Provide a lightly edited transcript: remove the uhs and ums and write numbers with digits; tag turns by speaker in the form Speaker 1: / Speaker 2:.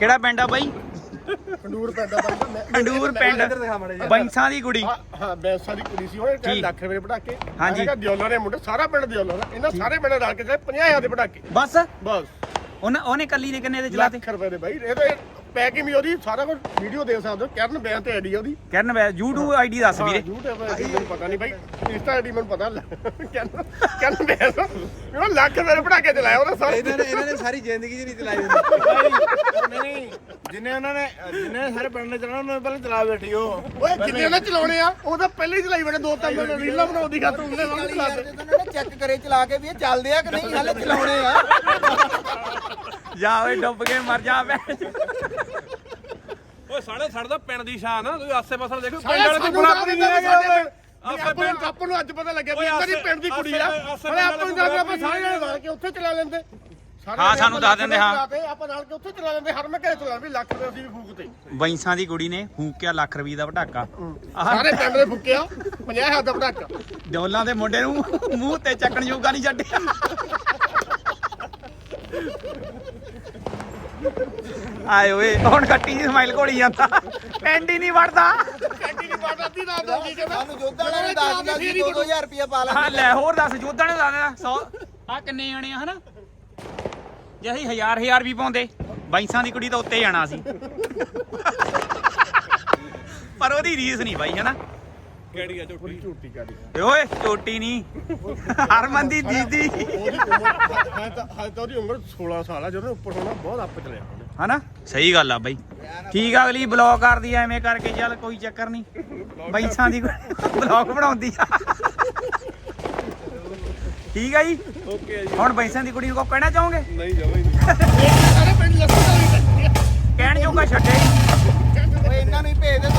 Speaker 1: ਕਿਹੜਾ ਪਿੰਡ ਆ ਬਾਈ?
Speaker 2: ਖੰਡੂਰ ਪਿੰਡ ਦਾ ਬਾਈ।
Speaker 1: ਖੰਡੂਰ ਪਿੰਡ ਬੈਂਸਾਂ ਦੀ ਕੁੜੀ।
Speaker 2: ਹਾਂ ਬੈਂਸਾਂ ਦੀ ਕੁੜੀ ਸੀ ਉਹ 1 ਲੱਖ ਰੁਪਏ ਪਟਾਕੇ।
Speaker 1: ਹਾਂਜੀ
Speaker 2: ਦਿਓਲਾ ਦੇ ਮੁੰਡੇ ਸਾਰਾ ਪਿੰਡ ਦਿਓਲਾ ਦਾ ਇਹਨਾਂ ਸਾਰੇ ਪਿੰਡ ਰਲ ਕੇ 50,000 ਦੇ ਪਟਾਕੇ
Speaker 1: ਬਸ।
Speaker 2: ਬਸ
Speaker 1: ਉਹਨੇ ਕੱਲੀ ਨੇ ਕਿੰਨੇ ਦੇ ਚਲਾਤੇ?
Speaker 2: ਲੱਖ ਰੁਪਏ ਦੇ ਬਾਈ। ਇਹ ਤਾਂ ਪੈਕਿੰਗ ਵੀ ਉਹਦੀ ਸਾਰਾ ਕੁਝ ਵੀਡੀਓ ਦੇ ਸਕਦੇ ਹੋ। ਕਰਨ ਬੈਂ ਤੇ ਆਈਡੀ ਉਹਦੀ।
Speaker 1: ਕਰਨ ਵੈ YouTube ਆਈਡੀ ਦੱਸ ਵੀਰੇ।
Speaker 2: YouTube ਆਈਡੀ ਮੈਨੂੰ ਪਤਾ ਨਹੀਂ ਬਾਈ। ਇੰਸਟਾ ਆਈਡੀ ਮੈਨੂੰ ਪਤਾ। ਕਰਨ ਬੈਂ ਉਹ ਲੱਖ ਰੁਪਏ ਦੇ ਪਟਾਕੇ ਚਲਾਇਆ ਉਹਨੇ ਸਾਰੇ।
Speaker 3: ਇਹਨਾਂ ਨੇ ਸਾਰੀ ਜ਼ਿੰਦਗੀ 'ਚ ਨਹੀਂ ਚਲਾਈ ਹੁੰਦੀ। ਨਹੀਂ ਜਿੰਨੇ ਸਾਰੇ ਪਿੰਡ ਨੇ ਚਲਾਉਣਾ ਉਹਨਾਂ ਨੇ ਪਹਿਲਾਂ ਚਲਾ ਬੈਠੀ ਉਹ।
Speaker 2: ਓਏ ਜਿੰਨੇ ਉਹਨੇ ਚਲਾਉਣੇ ਆ ਉਹ ਤਾਂ ਪਹਿਲੇ ਹੀ ਚਲਾਈ ਬੈਠੇ 2-3 ਰੀਲਾਂ ਬਣਾਉਂਦੀ ਖਾਤਰ ਉਹਨੇ ਵਾਂਗ ਚਲਾਤੇ।
Speaker 3: ਉਹਨਾਂ ਨੇ ਚੈੱਕ ਕਰੇ ਚਲਾ ਕੇ ਵੀ ਇਹ ਚੱਲਦੇ ਆ ਕਿ ਨਹੀਂ ਹਾਲੇ ਚਲਾਉਣੇ ਆ।
Speaker 1: ਜਾ ਓਏ ਡੁੱਬ ਕੇ ਮਰ ਜਾ ਬੈ।
Speaker 4: ਓਏ ਸਾਡਾ ਤਾਂ ਪਿੰਡ ਦੀ ਸ਼ਾਨ ਆ। ਤੁਸੀਂ ਆਸੇ ਪਾਸੇ ਦੇਖੋ
Speaker 2: ਪਿੰਡ
Speaker 4: ਪਿੰਡ ਵਾਲੇ ਕੋਈ ਬਰਾਬਰੀ ਨਹੀਂ ਹੈਗੇ।
Speaker 2: ਆਪਾਂ ਨੂੰ ਅੱਜ ਪਤਾ ਲੱਗਿਆ ਵੀ ਇਹਦੀ ਪਿੰਡ ਦੀ ਕੁੜੀ ਆ। ਹਲੇ ਆਪਾਂ ਨੂੰ ਦੱਸ ਆਪਾਂ ਸਾਰੇ ਜਣੇ ਰਲ ਕੇ ਉੱਥੇ ਚਲਾ ਲੈਂਦੇ।
Speaker 1: ਹਾਂ ਸਾਨੂੰ ਦੱਸ ਦਿੰਦੇ। ਹਾਂ
Speaker 2: ਆਪਾਂ ਨਾਲ ਕੇ ਉੱਥੇ ਚਲਾ ਲੈਂਦੇ। ਹਰ ਮੈਂ ਘਰੇ ਚਲਾ ਵੀ ਲੱਖ ਰੁਪਏ ਅਸੀਂ ਵੀ ਫੂਕਤੇ।
Speaker 1: ਬੈਂਸਾਂ ਦੀ ਕੁੜੀ ਨੇ ਫੂਕਿਆ ਲੱਖ ਰੁਪਏ ਦਾ ਪਟਾਕਾ।
Speaker 2: ਸਾਰੇ ਪਿੰਡ ਦੇ ਫੂਕਿਆ 50,000 ਦਾ ਪਟਾਕਾ।
Speaker 1: ਡੋਲਾਂ ਦੇ ਮੁੰਡੇ ਨੂੰ ਮੂੰਹ ਤੇ ਚੱਕਣ ਜੋਗਾ ਨਹੀਂ ਛੱਡਿਆ। ਆਏ ਓਏ ਹੁਣ ਕੱਟੀ ਦੀ ਸਮਾਈਲ ਘੋਲੀ ਜਾਂਦਾ। ਪਿੰਡ ਹੀ ਨਹੀਂ ਵੜਦਾ।
Speaker 2: ਕੈਂਟੀ ਦੀ ਬਾਤ ਆਦੀ ਨਾ ਦੋ ਕੀ ਕਹਿੰਦਾ।
Speaker 3: ਸਾਨੂੰ ਜੋਧਾ ਵਾਲਿਆਂ ਨੇ ਦੱਸ ਦਿੰਦਾ ਸੀ 2-2000 ਰੁਪਇਆ ਪਾ
Speaker 1: ਹਾਂ
Speaker 3: ਲੈਂਦੇ।
Speaker 1: ਲੈ ਹੋਰ ਦੱਸ ਜੋਧਾ ਨੇ ਦੱਸ ਦੇਣਾ 100 ਆ ਕਿੰਨੇ ਜਾਣੇ ਆ ਹਨਾ। ਜੇ ਅਸੀਂ 1000 ਵੀ ਪਾਉਂਦੇ ਬਾਈਸਾਂ ਦੀ ਕੁੜੀ ਤਾਂ ਉੱਤੇ ਜਾਣਾ ਸੀ। ਪਰ ਉਹਦੀ ਰੀਸ ਨਹੀਂ ਬਾਈ ਹਨਾ।
Speaker 4: ਕਿਹੜੀ ਆ ਝੋਟੀ?
Speaker 2: ਝੂਠੀ ਗਾੜੀ।
Speaker 1: ਓਏ ਚੋਟੀ ਨਹੀਂ ਹਰਮਨ ਦੀ ਦੀਦੀ
Speaker 2: ਉਹਦੀ ਉਮਰ ਹੈ ਤਾਂ ਉਹਦੀ ਉਮਰ 16 ਸਾਲ ਆ। ਜਦੋਂ ਉੱਪਰ ਹੋਣਾ ਬਹੁਤ ਅੱਪ ਚਲਿਆ ਉਹਨੇ।
Speaker 1: ਹਨਾ। ਸਹੀ ਗੱਲ ਆ ਬਾਈ। ਠੀਕ ਆ ਅਗਲੀ ਬਲੌਗ ਕਰਦੀ ਐ ਐਵੇਂ ਕਰਕੇ। ਚੱਲ ਕੋਈ ਚੱਕਰ ਨਹੀਂ। ਬਾਈਸਾਂ ਦੀ ਬਲੌਗ ਬਣਾਉਂਦੀ ਆ। ਠੀਕ ਆ ਜੀ।
Speaker 4: ਓਕੇ ਜੀ।
Speaker 1: ਹੁਣ ਬਾਈਸਾਂ ਦੀ ਕੁੜੀ ਨੂੰ ਕੋ ਕਹਿਣਾ ਚਾਹੋਗੇ?
Speaker 4: ਨਹੀਂ ਜਾਵਾਂ ਹੀ ਨਹੀਂ।
Speaker 2: ਸਾਰੇ ਪਿੰਡ ਲੱਸਣ ਵਾਲੀ
Speaker 1: ਕਹਿਣ ਜੋਗਾ ਛੱਡੇ ਹੀ ਨਹੀਂ।
Speaker 3: ਓਏ ਇਹਨਾਂ ਨੂੰ ਹੀ ਭੇਜ ਦੇ